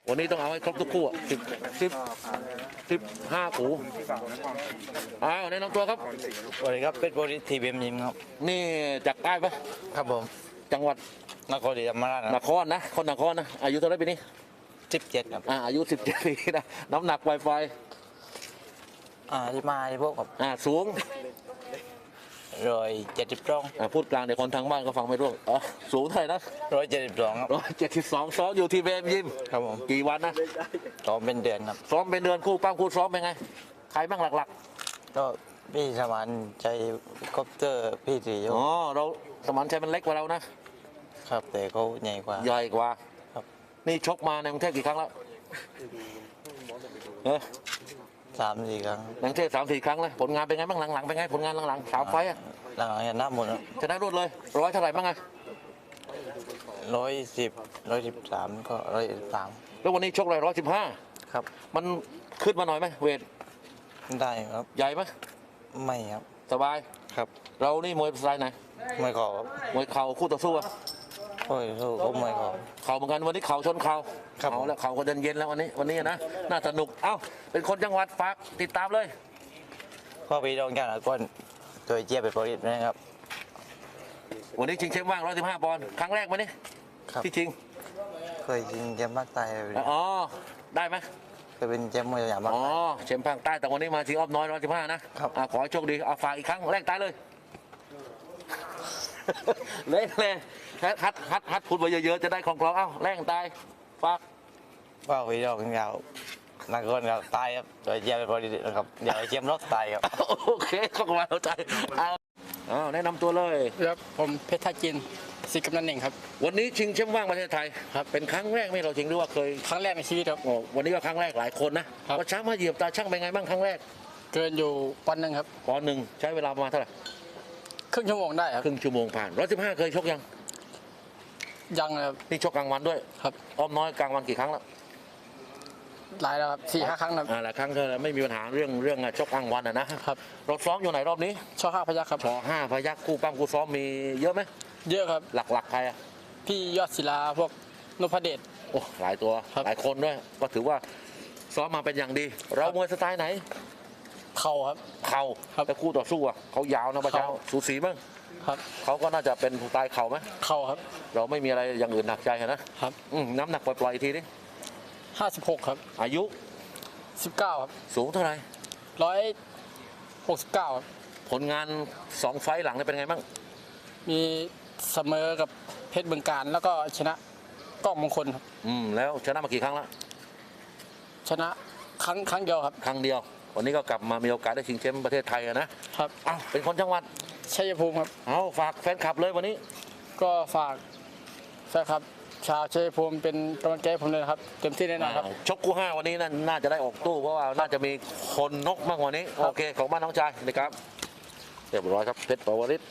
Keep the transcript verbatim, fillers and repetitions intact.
วันนี้ต้องเอาให้ครบทุกคู่สิบสิบสิบห้าคู่อ้าวแนะนำตัวครับสวัสดีครับเป็นโปรดิทีเบียมยิมครับนี่จากใต้ปะครับผมจังหวัดนครศรีธรรมราชนครนะคนนครนะอายุเท่าไหร่ปีนี้สิบเจ็ดครับอ่าอายุสิบเจ็ดปีนะน้ำหนักไวไฟอ่าที่มาที่พวกกับอ่าสูงร้อยเจ็ดสิบสองอ่าพูดกลางเดี๋ยวคนทางบ้านก็ฟังไม่รู้อ๋อสูงเท่าไหร่นะร้อยเจ็ดสิบสองครับร้อยเจ็ดสิบสองซ้อมอยู่ที่เบมยิมครับผมกี่วันนะซ้อมเป็นเดือนครับซ้อมเป็นเดือนคู่ปั้มคู่ซ้อมเป็นไงใครบ้างหลักๆก็พี่สมานใจคอปเตอร์พี่ตีอ๋อเราสมานชัยมันเล็กกว่าเรานะครับแต่เขาใหญ่กว่าใหญ่กว่าครับนี่ชกมาในกรุงเทพกี่ครั้งแล้วเออสามสี่ครั้งในกรุงเทพสามสี่ครั้งเลยผลงานเป็นไงบ้างหลังๆเป็นไงผลงานหลังๆสามไฟอ่ะหลังๆชนะหมดชนะรวดเลยร้อยเท่าไหร่บ้างไงร้อยสิบร้อยสิบสามก็ร้อยสามแล้ววันนี้ชกเลยร้อยสิบห้าครับมันขึ้นมาหน่อยไหมเวทได้ครับใหญ่ไหมไม่ครับสบายครับเรานี่มวยสไตล์ไหนไม่ขอมวยเข่าคู่ต่อสู้อ่ะโอ้ยสู้ก็ไม่ขอเข่าเหมือนกันวันนี้เข่าชนเข่าเอาแล้วเข่าก็เดินเย็นแล้ววันนี้วันนี้นะน่าสนุกเอ้าเป็นคนจังหวัดฝากติดตามเลยพ่อพี่ดองแก้วก้นตัวเจี๊ยบเป็นโปรดิสนะครับวันนี้ชิงแชมป์ว่างร้อยสิบห้าปอนด์ครั้งแรกไหมนี่ที่ชิงเคยชิงแชมป์ภาคใต้อ๋อได้ไหมเคยเป็นแชมป์มวยสยามอ๋อแชมป์ภาคใต้แต่วันนี้มาชิงอ้อมน้อยร้อยสิบห้านะครับขอให้โชคดีเอาฝากอีกครั้งแรกตายเลยเล่นเลยฮัดฮัดฮัดฮัดพูดไปเยอะๆจะได้ของกลองเอ้าแรงตายฝากว่าพี่ดองแก้วนักกอล์ฟครับตายครับตัวเจี๊ยบเป็นโปรดิสนะครับเดี๋ยวเจี๊ยบรถตายครับโอเคเข้ามาเข้าใจเอาแนะนำตัวเลยครับผมเพชรท่าจินสิกำนันเองครับวันนี้ชิงแชมป์ว่างประเทศไทยครับเป็นครั้งแรกไหมเราชิงหรือว่าเคยครั้งแรกในชีวิตครับโอ้วันนี้ก็ครั้งแรกหลายคนนะว่าช้างมาเหยียบตาช่างเป็นไงบ้างครั้งแรกเกินอยู่ปอนด์หนึ่งครับปอนด์หนึ่งใช้เวลาประมาณเท่าไหร่ครึ่งชั่วโมงได้ครับครึ่งชั่วโมงผ่านร้อยสิบห้าเคยชกยังยังครับนี่ชกกลางวันด้วยครับอ้อมน้อยกลางวันกี่ครั้งแล้วหลายแล้วครับสี่ห้าครั้งครับอ่าหลายครั้งก็ไม่มีปัญหาเรื่องเรื่องชกกลางวันนะครับเราซ้อมอยู่ไหนรอบนี้ช่อห้าพยัคฆ์ครับช่อห้าพยัคฆ์คู่ปั้มคู่ซ้อมมีเยอะไหมเยอะครับหลักๆใครอ่ะพี่ยอดศิลาพวกนพเดชโอ้หลายตัวหลายคนด้วยก็ถือว่าซ้อมมาเป็นอย่างดีเรามวยสไตล์ไหนเข่าครับเข่าแต่คู่ต่อสู้อ่ะเขายาวนะป้าเจ้าสูสีบ้างครับเขาก็น่าจะเป็นสไตล์เข่าไหมเข่าครับเราไม่มีอะไรอย่างอื่นหนักใจนะครับน้ำหนักปล่อยๆทีนี้ห้าสิบหกครับอายุสิบเก้าครับสูงเท่าไหร่ร้อยหกสิบเก้าครับผลงานสองไฟล์หลังเป็นไงบ้างมีเสมอกับเพชรบึงการแล้วก็ชนะก้องมงคลครับอืมแล้วชนะมากี่ครั้งแล้วชนะครั้งครั้งเดียวครับครั้งเดียววันนี้ก็กลับมามีโอกาสได้ชิงแชมป์ประเทศไทยนะครับอ้าวเป็นคนจังหวัดชัยภูมิครับเอาฝากแฟนคลับเลยวันนี้ก็ฝากแฟนคลับชาวชัยภูมิเป็นกำลังใจให้ผมเลยครับเต็มที่แน่นอนครับชกคู่ห้าวันนี้น่าจะได้ออกตู้เพราะว่าน่าจะมีคนนกมากกว่านี้โอเคของบ้านน้องชายนะครับเรียบร้อยครับเพชรปวริศ